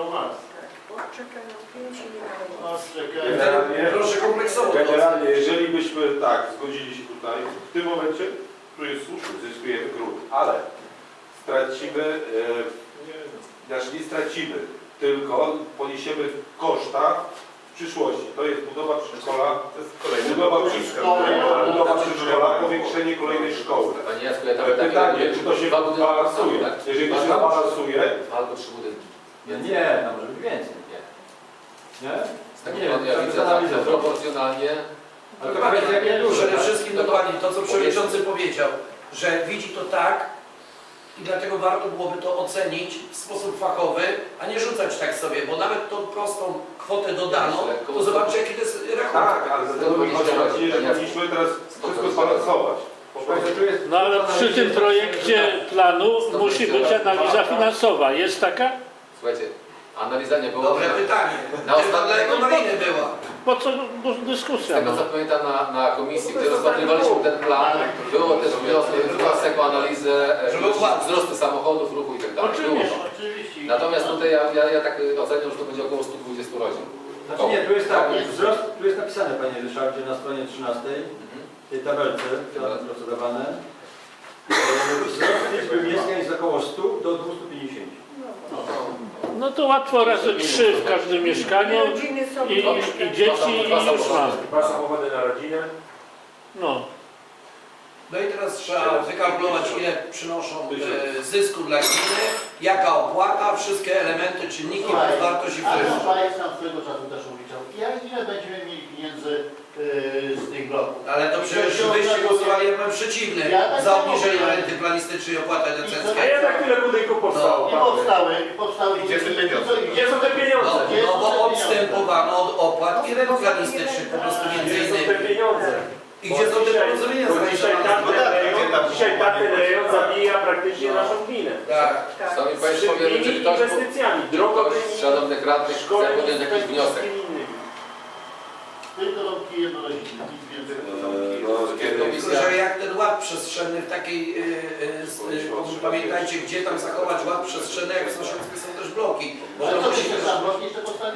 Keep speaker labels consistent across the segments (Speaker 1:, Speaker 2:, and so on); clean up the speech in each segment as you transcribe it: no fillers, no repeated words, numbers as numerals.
Speaker 1: No masz.
Speaker 2: Czekają 5 minut.
Speaker 1: Masz, czekają.
Speaker 3: Proszę kompleksowo.
Speaker 4: Generalnie, jeżeli byśmy tak zgodzili się tutaj, w tym momencie, tu jest słuszny, zyskujemy grunt, ale stracimy, znaczy nie stracimy, tylko poniesiemy koszta w przyszłości. To jest budowa przedszkola, budowa przedszkola, powiększenie kolejnej szkoły.
Speaker 5: Panie Jacku, ja tam
Speaker 4: Pytanie, czy to się balansuje? Jeżeli to się balansuje,
Speaker 5: albo 3 budynki.
Speaker 6: Nie, tam może być więcej. Nie?
Speaker 5: Nie, ja widzę tak proporcjonalnie.
Speaker 6: Ale to kwestia jakie duże.
Speaker 3: Przede wszystkim dokładnie to, co przewodniczący powiedział, że widzi to tak i dlatego warto byłoby to ocenić w sposób fachowy, a nie rzucać tak sobie, bo nawet tą prostą kwotę dodaną, to zobaczcie jaki to jest rachunek.
Speaker 4: tak, ale dlatego mi chodzi, że powinniśmy teraz wszystko zbalansować.
Speaker 1: No ale przy tym projekcie planu musi być analiza finansowa. Jest taka?
Speaker 5: Słuchajcie, analiza nie była.
Speaker 3: Dobre pytanie.
Speaker 5: Na
Speaker 3: Dlatego Maliny była.
Speaker 1: Po co
Speaker 5: Z
Speaker 1: dyskusja?
Speaker 5: tego co pamiętam na komisji, gdzie rozpatrywaliśmy ten plan, było też wniosek o analizę wzrostu samochodów, ruchu i tak dalej.
Speaker 1: Oczywiście.
Speaker 5: Natomiast tutaj ja tak oceniam, że to będzie około 120 rodzin.
Speaker 6: Znaczy nie, tu jest tak, wzrost, tu jest napisane, panie Ryszardzie, na stronie 13, w tej tabelce, co procedowane. Wzrost liczby mieszkań jest około 100 do 250.
Speaker 1: No to łatwo razy 3 w każdym mieszkaniu i dzieci i już mamy.
Speaker 7: 2 samochody na rodzinę.
Speaker 1: No.
Speaker 3: No i teraz trzeba wykalkulować, ile przynoszą zysku dla gminy, jaka opłata, wszystkie elementy, czynniki, wartość i
Speaker 8: Ale
Speaker 3: wpływ.
Speaker 8: Szwajc nam swego czasu też obliczał. Ile będziemy mieli pieniędzy z tych bloków?
Speaker 3: Ale to przecież wyście głosowali, ja byłem przeciwny za obniżeniem renty planistycznej i opłaty
Speaker 7: A
Speaker 3: decyzyjskiej.
Speaker 7: jednak tyle budynków powstało.
Speaker 8: I powstały.
Speaker 7: Gdzie są pieniądze? Gdzie są te pieniądze?
Speaker 3: No bo odstępowano od opłat i rent planistycznych po prostu między
Speaker 7: Gdzie są te
Speaker 3: innymi.
Speaker 7: pieniądze?
Speaker 3: I gdzie są te porozumienia
Speaker 7: Dzisiaj tamten rejon zabija praktycznie naszą gminę.
Speaker 3: Tak.
Speaker 5: Szanowni Państwo, powiem, czy ktoś,
Speaker 7: Inwestycjami,
Speaker 5: ktoś
Speaker 7: drogowymi,
Speaker 5: z szanownych radnych chce podjąć jakiś wniosek.
Speaker 8: Tylko domki jednorodzinne, nic więcej.
Speaker 3: Tylko, że jak ten ład przestrzenny w takiej, pamiętajcie, gdzie tam zachować ład przestrzenny, jak w sąsiedztwie są też bloki. Bo
Speaker 8: Ale
Speaker 3: to
Speaker 8: co
Speaker 3: musi...
Speaker 8: się tam bloki jeszcze postawić?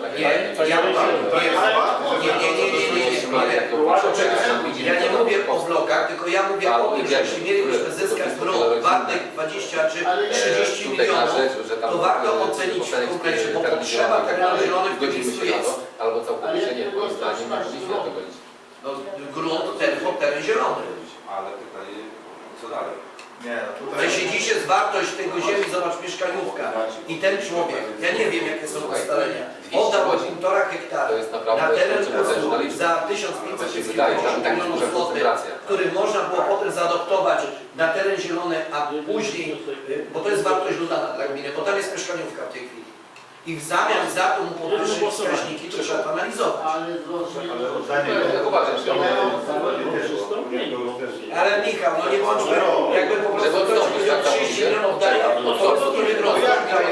Speaker 3: Ja nie mówię o blokach, tylko ja mówię o tym, że jeśli mielibyśmy zyskać blok wartych 20 czy 30 milionów, to warto ocenić w kompleksie, bo potrzeba tak na zielonych w
Speaker 5: Godzimy
Speaker 3: miejscu
Speaker 5: się na
Speaker 3: jest.
Speaker 5: to, albo całkowicie nie, moim zdaniem nie powinniśmy na to godzić.
Speaker 3: No, grunt, teren zielony.
Speaker 4: Ale pytanie, co dalej?
Speaker 3: Jeśli jest wartość tego ziemi, zobacz mieszkaniówka i ten człowiek, ja nie wiem jakie są ustalenia, oddał 1,5 hektara na teren za 1550 milionów złotych, który można było potem zaadoptować na teren zielony, a później, bo to jest wartość dodana dla gminy, bo tam jest mieszkaniówka w tej chwili. I w zamian za to mu podwyższyć wskaźniki, to trzeba to analizować. Ale Michał, no nie bądźmy, jakby po prostu ktoś powiedział 30 milionów daje, to po prostu nie wydroża.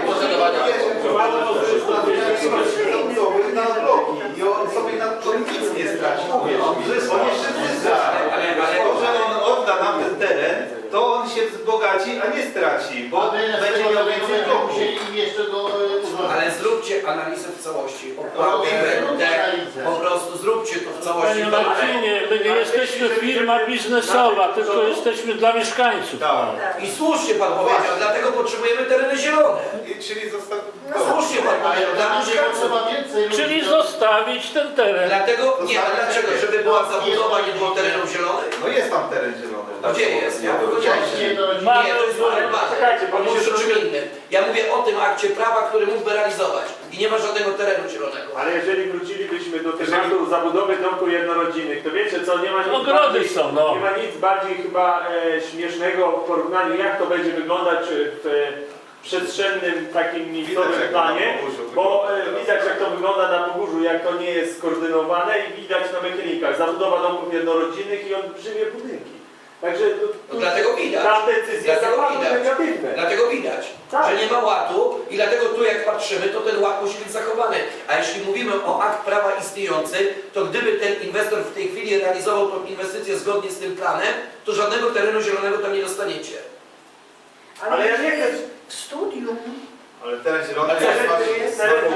Speaker 4: Na bloki i on sobie na to nic nie straci. On jeszcze zyska. Ale że on odda nam ten teren, to on się wzbogaci, a nie straci, bo będzie miał więcej bloków.
Speaker 3: Ale zróbcie analizę w całości. Opłaty, będę, po prostu zróbcie to w całości.
Speaker 1: Panie Marcinie, my nie jesteśmy firma biznesowa, tylko jesteśmy dla mieszkańców.
Speaker 3: I słusznie Pan powiedział, dlatego potrzebujemy tereny zielone.
Speaker 4: Czyli został...
Speaker 3: Słusznie Pan powiedział, dla mieszkańców.
Speaker 1: Czyli zostawić ten teren.
Speaker 3: Dlatego, nie, a dlaczego? Żeby była zabudowa, nie było terenów zielonych?
Speaker 4: No jest tam teren zielony.
Speaker 3: Gdzie jest? Ja powiedziałem.
Speaker 1: Mamy-
Speaker 3: Nie, to jest numer 2.
Speaker 7: Czekajcie, bo
Speaker 3: Mówisz
Speaker 7: się
Speaker 3: o czym innym. Ja mówię o tym akcie prawa, który mógłby realizować. I nie ma żadnego terenu zielonego.
Speaker 7: Ale jeżeli wrócilibyśmy do tematu zabudowy domków jednorodzinnych, to wiecie co, nie ma nic
Speaker 1: Ogrody
Speaker 7: bardziej,
Speaker 1: są, no.
Speaker 7: nie ma nic bardziej chyba śmiesznego w porównaniu, jak to będzie wyglądać w przestrzennym takim miejscowym planie, bo widać jak to wygląda na Pogórzu, jak to nie jest skoordynowane i widać na mechanikach. Zabudowa domków jednorodzinnych i olbrzymie budynki. Także
Speaker 3: No dlatego widać.
Speaker 7: tam decyzje są
Speaker 3: Dlatego
Speaker 7: bardzo
Speaker 3: widać.
Speaker 7: negatywne.
Speaker 3: Dlatego widać,
Speaker 7: Tak.
Speaker 3: że nie ma ładu i dlatego tu jak patrzymy, to ten ład musi być zachowany. A jeśli mówimy o akt prawa istniejący, to gdyby ten inwestor w tej chwili realizował tą inwestycję zgodnie z tym planem, to żadnego terenu zielonego tam nie dostaniecie.
Speaker 7: Ale ja nie chcę...
Speaker 2: W studium
Speaker 4: Ale teren zielony
Speaker 7: Teren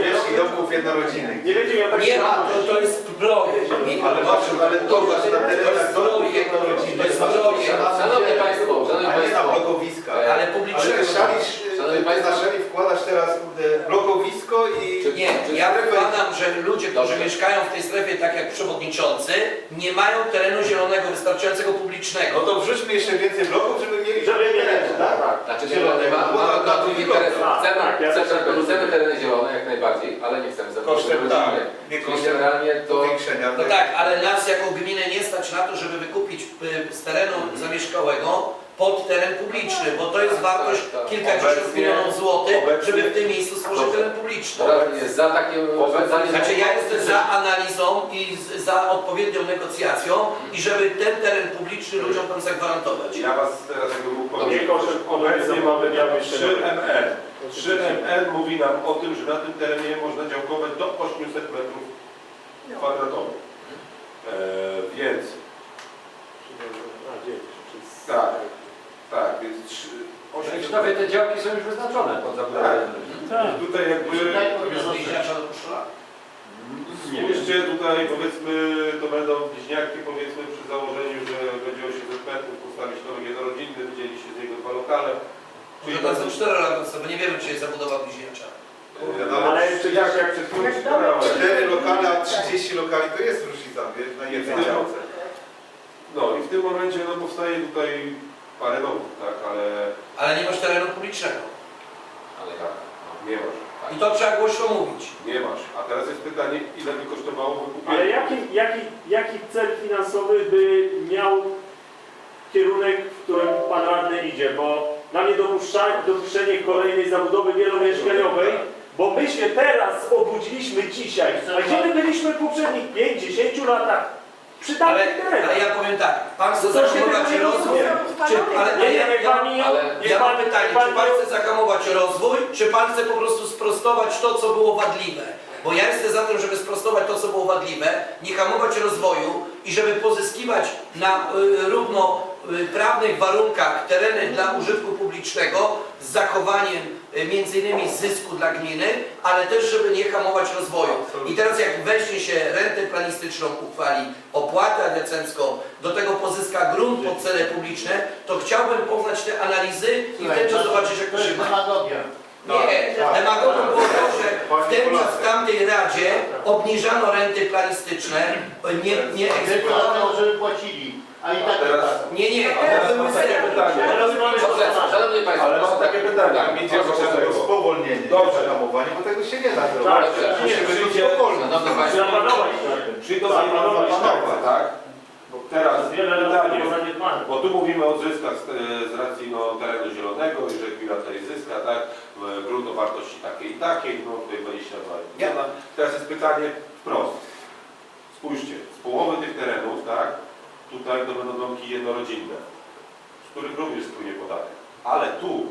Speaker 9: domów jednorodzinnych.
Speaker 7: Nie będzie miał
Speaker 3: Nie ma, to jest projekt.
Speaker 9: Ale właśnie, ale to właśnie na terenach domów jednorodzinnych.
Speaker 3: To jest projekt.
Speaker 5: Szanowni Państwo,
Speaker 9: A nie na blokowiska.
Speaker 3: Ale
Speaker 9: Ale
Speaker 3: publicznego.
Speaker 9: ty na szali wkładasz teraz blokowisko i...
Speaker 3: Nie, ja wykładam, że ludzie, którzy mieszkają w tej strefie, tak jak przewodniczący, nie mają terenu zielonego wystarczającego publicznego.
Speaker 9: No to wrzućmy jeszcze więcej bloków, żeby mieli...
Speaker 7: Żeby mieli, tak?
Speaker 5: Znaczy zielone, mamy dla tych interesów. Chcemy tereny zielone jak najbardziej, ale nie chcemy zabudować
Speaker 9: Kosztem, tak.
Speaker 5: rodziny.
Speaker 9: Nie
Speaker 5: Czyli
Speaker 9: kosztem
Speaker 5: generalnie to...
Speaker 9: powiększenia.
Speaker 3: No tak, ale nas jako gminę nie stać na to, żeby wykupić z terenu zamieszkałego pod teren publiczny, bo to jest wartość kilkadziesiąt
Speaker 4: Obecnie-
Speaker 3: milionów złotych,
Speaker 4: obecnie-
Speaker 3: żeby w tym miejscu stworzyć teren publiczny.
Speaker 5: Radny jest za takie rozwiązanie.
Speaker 3: Znaczy ja jestem za analizą i za odpowiednią negocjacją i żeby ten teren publiczny ludziom tam zagwarantować.
Speaker 4: Ja was teraz jakby mógł
Speaker 7: Nie
Speaker 4: powiedzieć.
Speaker 7: kosztem
Speaker 4: Obecnie mamy
Speaker 7: ja
Speaker 4: 3MN. 3MN mówi nam o tym, że na tym terenie można działkować do 800 metrów kwadratowych. Więc tak, więc
Speaker 6: Już nawet te działki są już wyznaczone pod zabudowę.
Speaker 1: Tak.
Speaker 4: tutaj jakby
Speaker 3: Bliźniacza do koszula?
Speaker 4: spójrzcie tutaj, powiedzmy, to będą bliźniaki, powiedzmy, przy założeniu, że będzie 800 metrów, postawić dom jednorodzinny, wydzieli się z niego 2 lokale.
Speaker 3: Czyli to są 4 lata, bo nie wiemy, czy jest zabudowa bliźniacza.
Speaker 7: Ale czy jak przed chwilą wspomniałem,
Speaker 9: 4 lokale, a 30 lokali to jest różnica, wiesz, na jednej działce.
Speaker 4: No i w tym momencie no, powstaje tutaj parę domów, tak,
Speaker 3: Ale nie masz terenu publicznego.
Speaker 5: Ale
Speaker 4: tak, nie masz.
Speaker 3: I to trzeba głośno mówić.
Speaker 4: Nie masz. A teraz jest pytanie, ile by kosztowało wykupienie?
Speaker 7: ale jaki cel finansowy by miał kierunek, w którym pan radny idzie? Bo dla mnie dopuszczenie kolejnej zabudowy wielomieszkaniowej, bo my się teraz obudziliśmy dzisiaj, a gdzie my byliśmy w poprzednich 5-10 latach? Przy
Speaker 3: Ale
Speaker 7: tamtych terenach.
Speaker 3: ja powiem tak, pan chce
Speaker 7: To się
Speaker 3: zahamować
Speaker 7: tego nie
Speaker 3: rozwój,
Speaker 7: rozumie.
Speaker 3: ja mam pytanie, czy pan chce zahamować rozwój, czy pan chce po prostu sprostować to, co było wadliwe? Bo ja jestem za tym, żeby sprostować to, co było wadliwe, nie hamować rozwoju i żeby pozyskiwać na równoprawnych warunkach tereny dla użytku publicznego z zachowaniem między innymi zysku dla gminy, ale też żeby nie hamować rozwoju. I teraz jak weźmie się rentę planistyczną, uchwali opłatę adecencką, do tego pozyska grunt pod cele publiczne, to chciałbym poznać te analizy i wtedy zobaczyć, jak to się ma.
Speaker 8: demagogia.
Speaker 3: Nie, demagogą było to, że w tamtej Radzie obniżano renty planistyczne, nie egzekwowano.
Speaker 8: Żeby płacili, a i tak
Speaker 3: Nie,
Speaker 4: Teraz mam takie pytanie.
Speaker 5: Dobrze, szanowni Państwo,
Speaker 4: Ale mam takie pytanie.
Speaker 5: Tak,
Speaker 9: Idzie
Speaker 4: Dobrze.
Speaker 9: spowolnienie,
Speaker 4: Dobrze.
Speaker 9: zahamowanie, bo tego się nie da
Speaker 7: Tak,
Speaker 9: zrobić.
Speaker 4: Musimy
Speaker 9: Przyjdzie
Speaker 4: idzie,
Speaker 5: szanowni Państwo,
Speaker 7: Zapanować nad tym.
Speaker 4: przyjdą zapanować, tak? Bo teraz
Speaker 7: Wiele lat
Speaker 4: pytanie,
Speaker 7: było zaniedbane.
Speaker 4: bo tu mówimy o zyskach z racji terenu zielonego i że gmina tutaj zyska, tak? Grunt o wartości takiej i takiej, no tutaj 22 miliona. Teraz jest pytanie wprost. Spójrzcie, z połowy tych terenów, tak? Tutaj to będą domki jednorodzinne, z których również spłynie podatek. Ale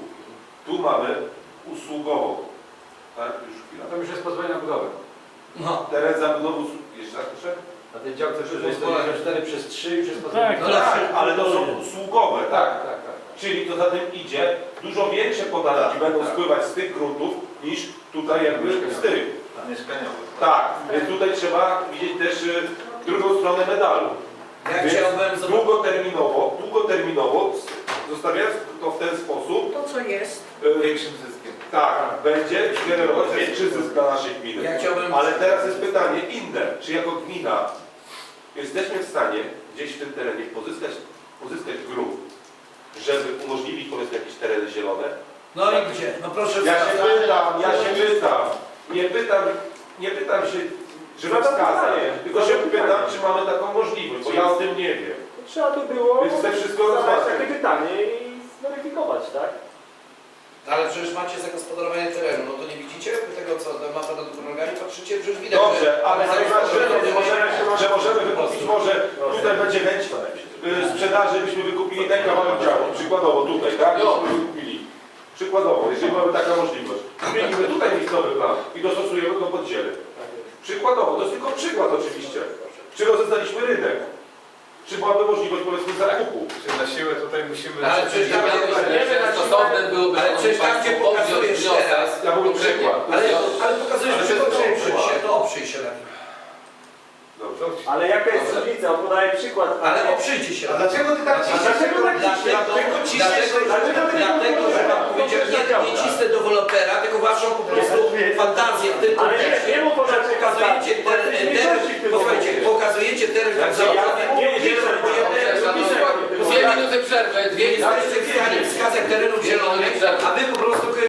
Speaker 4: tu mamy usługową, tak? Już chwila.
Speaker 6: Tam już jest pozwolenie na budowę.
Speaker 3: No,
Speaker 4: Teren zabudowy, jeszcze raz proszę?
Speaker 6: Na tej działce wyżej 194 przez 3 już jest pozwolenie.
Speaker 1: Tak,
Speaker 3: no tak,
Speaker 4: Ale to są usługowe, tak?
Speaker 6: tak.
Speaker 4: Czyli to za tym idzie, dużo większe podatki będą spływać z tych gruntów niż tutaj jakby z tych.
Speaker 9: Mieszkaniowe.
Speaker 4: Tak, więc tutaj trzeba widzieć też drugą stronę medalu.
Speaker 3: ja
Speaker 4: Więc
Speaker 3: chciałbym zobaczyć.
Speaker 4: długoterminowo, zostawiając to w ten sposób,
Speaker 2: To, co jest.
Speaker 9: Większym zyskiem.
Speaker 4: tak, będzie generować większy zysk dla naszej gminy.
Speaker 3: Ja chciałbym.
Speaker 4: Ale teraz jest pytanie inne, czy jako gmina jesteśmy w stanie gdzieś w tym terenie pozyskać grunt, żeby umożliwić powiedzmy jakieś tereny zielone?
Speaker 3: No i gdzie? No proszę
Speaker 4: Ja się
Speaker 3: wskazać.
Speaker 4: pytam, nie pytam się, żeby wskazać, tylko się pytam, czy mamy taką możliwość, bo ja o tym nie wiem.
Speaker 7: Trzeba by było
Speaker 4: Więc chcę wszystko
Speaker 7: zadać
Speaker 4: rozważyć.
Speaker 7: takie pytanie i zweryfikować, tak?
Speaker 3: Ale przecież macie zagospodarowanie terenu, no to nie widzicie tego, co ma pan do drogami, patrzycie, przecież widać.
Speaker 4: Dobrze, ale
Speaker 3: że
Speaker 4: że możemy wykupić, może tutaj będzie chęć sprzedaży, byśmy wykupili ten kawałek działu, przykładowo tutaj, tak? Byśmy wykupili. Przykładowo, jeżeli mamy taką możliwość. Zmienimy tutaj miejscowy plan i dostosujemy go pod ziele. Przykładowo, to jest tylko przykład oczywiście. Czy rozeznaliśmy rynek? Czy byłaby możliwość powiedzmy zakupu?
Speaker 9: Czy na siłę tutaj musimy...
Speaker 3: Ale przecież tam
Speaker 5: stosowne byłoby,
Speaker 3: ale przecież tam, gdzie pokazujesz teraz,
Speaker 4: Ja mówię przykład.
Speaker 3: ale pokazujesz, że to przecież mieszkanie.
Speaker 4: Dobrze.
Speaker 7: Ale jaka jest różnica? On podaje przykład.
Speaker 3: Ale oprzyjcie się.
Speaker 9: A dlaczego ty tak
Speaker 7: A
Speaker 9: ciśniesz?
Speaker 7: dlaczego tak ciśniesz?
Speaker 3: Dlatego, że Pan powiedział nie cisnę dewelopera, tylko Waszą po prostu fantazję w tym
Speaker 7: Ale nie,
Speaker 3: kontekście,
Speaker 7: nie mu
Speaker 3: że
Speaker 7: podać
Speaker 3: pokazujecie teren, posłuchajcie, pokazujecie teren tak założony,
Speaker 7: Nie, nie,
Speaker 5: Dwie minuty przerwy, dwie minuty
Speaker 3: jesteście w stanie wskazać terenów zielonych, a Wy po prostu